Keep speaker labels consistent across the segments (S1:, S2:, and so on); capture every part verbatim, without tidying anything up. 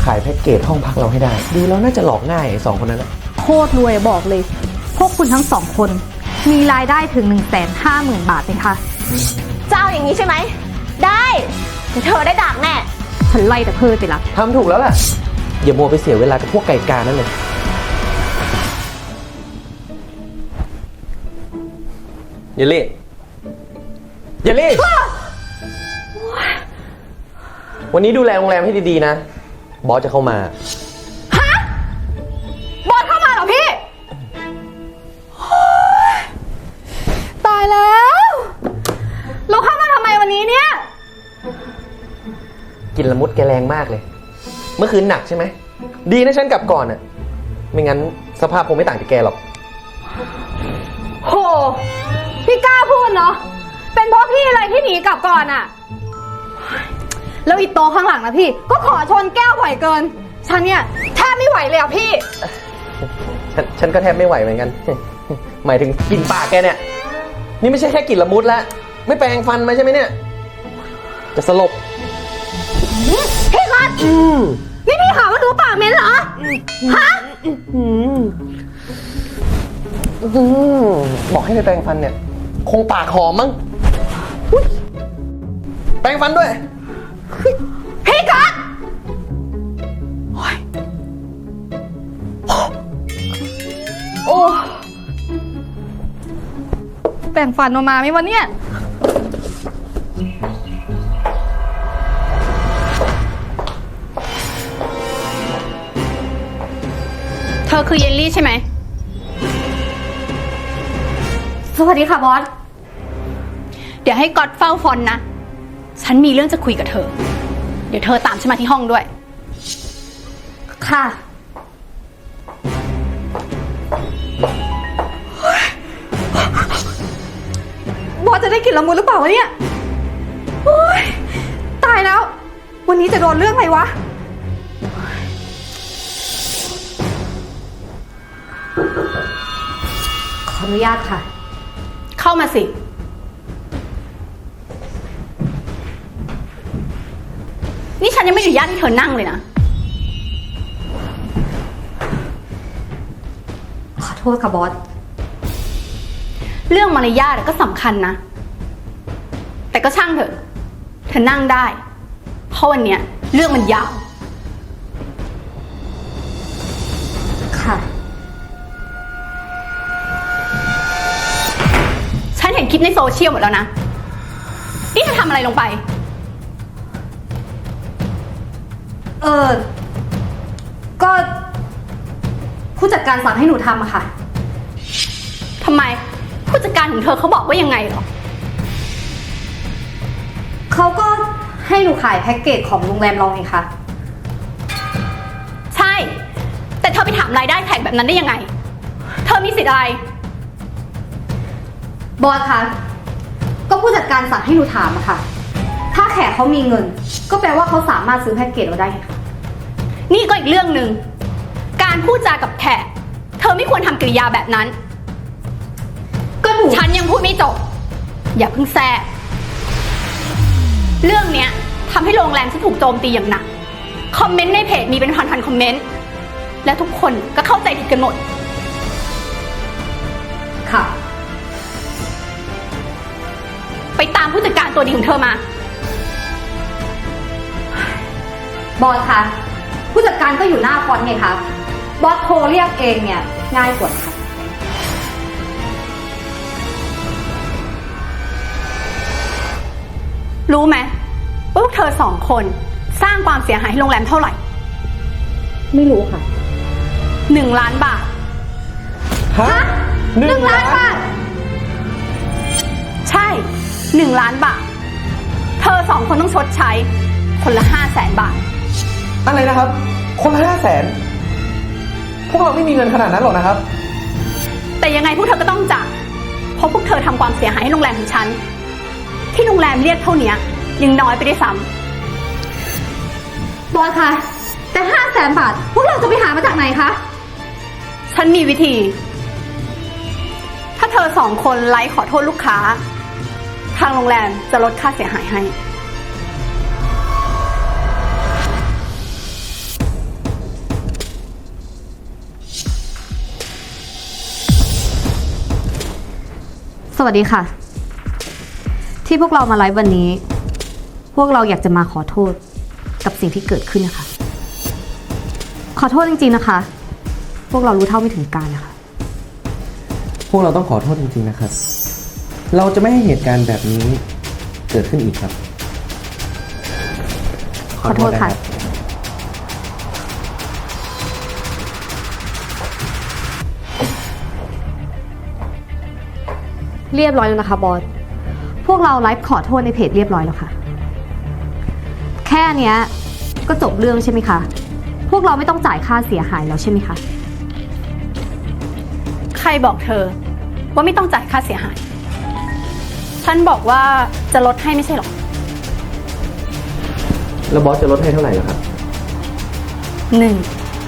S1: ขายแพ็กเกจห้องพักเราให้ได้ดูแล้วน่าจะหลอกง่ายไอ้สองคนนั้นนะ
S2: โคตรรวยบอกเลยพวกคุณทั้งสองคนมีรายได้ถึง หนึ่งแสนห้าหมื่น บาทเลยค่ะ
S3: เจ้าอย่างนี้ใช่ไหมได้แต่เธอได้ดักแน่
S2: ฉันไล่แต่เพิ่มไปละ
S1: ทำถูกแล้วล่ะอย่ามัวไปเสียเวลากับพวกไก่กานั่นเลยเยลลี่เยลลี่วันนี้ดูแลโรงแรมให้ดีๆนะบอสจะเข้ามา
S2: ฮะบอสเข้ามาเหรอพี่ตายแล้วเราเข้ามาทำไมวันนี้เนี่ย
S1: กินละมุดแกแรงมากเลยเมื่อคืนหนักใช่ไหมดีนะฉันกลับก่อนอ่ะไม่งั้นสภาพคงไม่ต่างจากแกหรอก
S2: โหพี่กล้าพูดเนาะเป็นเพราะพี่อะไรที่หนีกลับก่อนอ่ะแล้วอีโตข้างหลังนะพี่ก็ขอชนแก้วบ่อยเกินฉันเนี่ยแทบไม่ไหวเลยอ่ะพี่
S1: ฉันฉันก็แทบไม่ไหวเหมือนกันหมายถึงกลิ่นปากแกเนี่ยนี่ไม่ใช่แค่กลิ่นละมุดแล้วไม่แปรงฟันมาใช่ไหมเนี่ยจะสลบ
S2: พี่กัดนี่พี่หาว่าหนูปากเหม็นเหรอฮะ
S1: บอกให้ไปแปรงฟันเนี่ยคงปากหอมมั้งแปรงฟันด้วย
S2: พี่กัดโอ้แปรงฟันออกมาไหมวะเนี่ย
S3: เธอคือเยลลี่ใช่ไหม
S2: สวัสดีค่ะบอส
S3: เดี๋ยวให้ก๊อตเฝ้าฟอนนะฉันมีเรื่องจะคุยกับเธอเดี๋ยวเธอตามฉันมาที่ห้องด้วย
S2: ค่ะบอสจะได้กลิ่นละมุนหรือเปล่าวะเนี่ยโอ๊ยตายแล้ววันนี้จะโดนเรื่องอะไรวะขออนุญาตค่ะ
S3: เข้ามาสินี่ฉันยังไม่อนุญาตให้เธอนั่งเลยนะ
S2: ขอโทษค่ะบอส
S3: เรื่องมารยาทก็สำคัญนะแต่ก็ช่างเถอะเธอนั่งได้เพราะวันเนี้ยเรื่องมันยาว
S2: ค่ะ
S3: ฉันเห็นคลิปในโซเชียลหมดแล้วนะนี่เธอทำอะไรลงไป
S2: เออก็ผู้จัดการสั่งให้หนูทำอะค่ะ
S3: ทำไมผู้จัดการของเธอเขาบอกว่ายังไงหรอ
S2: เขาก็ให้หนูขายแพ็กเกจของโรงแรมเราไงคะ
S3: ใช่แต่เธอไปถามรายได้แขกแบบนั้นได้ยังไงเธอมีสิทธิ์อะไร
S2: บอสคะก็ผู้จัดการสั่งให้หนูถามอะค่ะถ้าแขกเขามีเงินก็แปลว่าเขาสามารถซื้อแพ็กเกจเราได้ค่ะ
S3: นี่ก็อีกเรื่องหนึ่งการพูดจากับแขกเธอไม่ควรทำกริยาแบบนั้น
S2: ก็หนู
S3: ฉันยังพูดไม่จบอย่าเพิ่งแทรกเรื่องเนี้ยทำให้โรงแรมฉันถูกโจมตีอย่างหนักคอมเมนต์ในเพจมีเป็นพันๆคอมเมนต์และทุกคนก็เข้าใจผิดกันหมด
S2: ค่ะ
S3: ไปตามผู้จัดการตัวดีของเธอมา
S2: บอสคะผู้จัดการก็อยู่หน้าฟอนต์ไงคะบอสโทรเรียกเองเนี่ยง่ายกว่าค่ะ
S3: รู้ไหมว่าพวกเธอสองคนสร้างความเสียหายให้โรงแรมเท่าไหร่
S2: ไม่รู้ค่ะ
S3: หนึ่งล้านบาท
S1: ฮะ
S2: หนึ่งล้านบาท
S3: ใช่หนึ่งล้านบาทเธอสองคนต้องชดใช้คนละห้าแสนบาท
S1: อะไรนะครับคนละห้าแสนพวกเราไม่มีเงินขนาดนั้นหรอกนะครับ
S3: แต่ยังไงพวกเธอก็ต้องจ่ายเพราะพวกเธอทำความเสียหายให้โรงแรมของฉันที่โรงแรมเรียกเท่านี้ยังน้อยไปได้ซ้
S2: ำบอสคะแต่ห้าแสนบาทพวกเราจะไปหามาจากไหนคะ
S3: ฉันมีวิธีถ้าเธอสองคนไลฟ์ขอโทษลูกค้าทางโรงแรมจะลดค่าเสียหายให้
S2: สวัสดีค่ะ ที่พวกเรามาไลฟ์วันนี้ พวกเราอยากจะมาขอโทษกับสิ่งที่เกิดขึ้นนะคะ ขอโทษจริงๆนะคะ พวกเรารู้เท่าไม่ถึงการนะคะ
S1: พวกเราต้องขอโทษจริงๆนะครับ เราจะไม่ให้เหตุการณ์แบบนี้เกิดขึ้นอีกครับ
S2: ขอโทษค่ะ
S1: นรับ
S2: เรียบร้อยแล้วนะคะบอส พวกเราไลฟ์ขอโทษในเพจเรียบร้อยแล้วค่ะ แค่เนี้ยก็จบเรื่องใช่ไหมคะ พวกเราไม่ต้องจ่ายค่าเสียหายแล้วใช่ไหมคะ
S3: ใครบอกเธอว่าไม่ต้องจ่ายค่าเสียหาย ฉันบอกว่าจะลดให้ไม่ใช่หรอ
S1: แล้วบอสจะลดให้เท่าไหร่ล่ะครับ
S3: หนึ่ง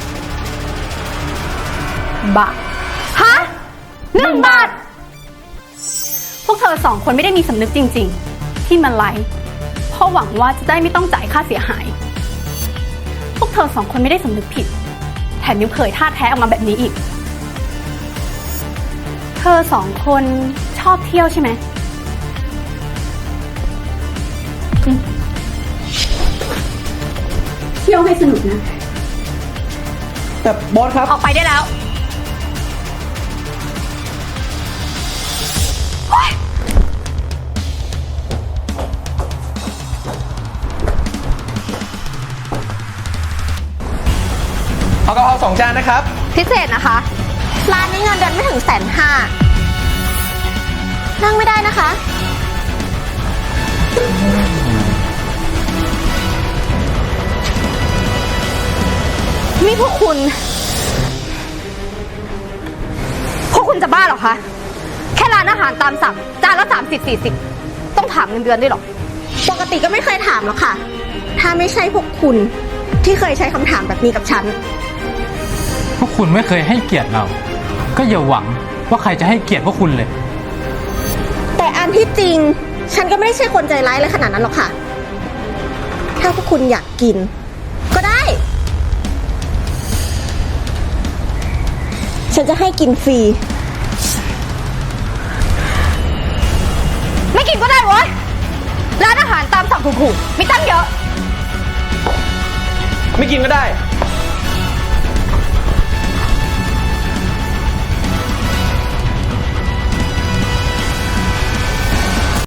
S3: บาท
S2: ฮะหนึ่งบาท
S3: พวกเธอสองคนไม่ได้มีสำนึกจริงๆ ที่มาไลฟ์เพราะหวังว่าจะได้ไม่ต้องจ่ายค่าเสียหาย พวกเธอสองคนไม่ได้สำนึกผิด แถมยังเผยท่าแท้ออกมาแบบนี้อีก เธอสองคนชอบเที่ยวใช่ไหมอืมเที่ยวให้สนุกนะ
S1: แต่บอสครับ
S3: ออกไปได้แล้ว
S1: เอากะเพราสองจานนะครับ
S2: พิเศษนะคะ
S4: ร้านนี้เงินเดือนไม่ถึงแสนห้า นั่งไม่ได้นะคะ
S2: นี่พวกคุณ พวกคุณจะบ้าเหรอคะ แค่ร้านอาหารตามสั่งจานละสามสิบสี่สิบต้องถามเงินเดือนด้วยเหรอ
S4: ปกติก็ไม่เคยถามหรอกค่ะ ถ้าไม่ใช่พวกคุณที่เคยใช้คำถามแบบนี้กับฉัน
S5: พวกคุณไม่เคยให้เกียรติเรา ก็อย่าหวังว่าใครจะให้เกียรติพวกคุณเลย
S4: แต่อันที่จริง ฉันก็ไม่ได้ใช่คนใจร้ายเลยขนาดนั้นหรอกค่ะ ถ้าพวกคุณอยากกิน ก็ได้ ฉันจะให้กินฟรี
S2: ไม่กินก็ได้เว้ย ร้านอาหารตามสั่งถูกๆมีตั้งเยอะ
S1: ไม่กินก็ได้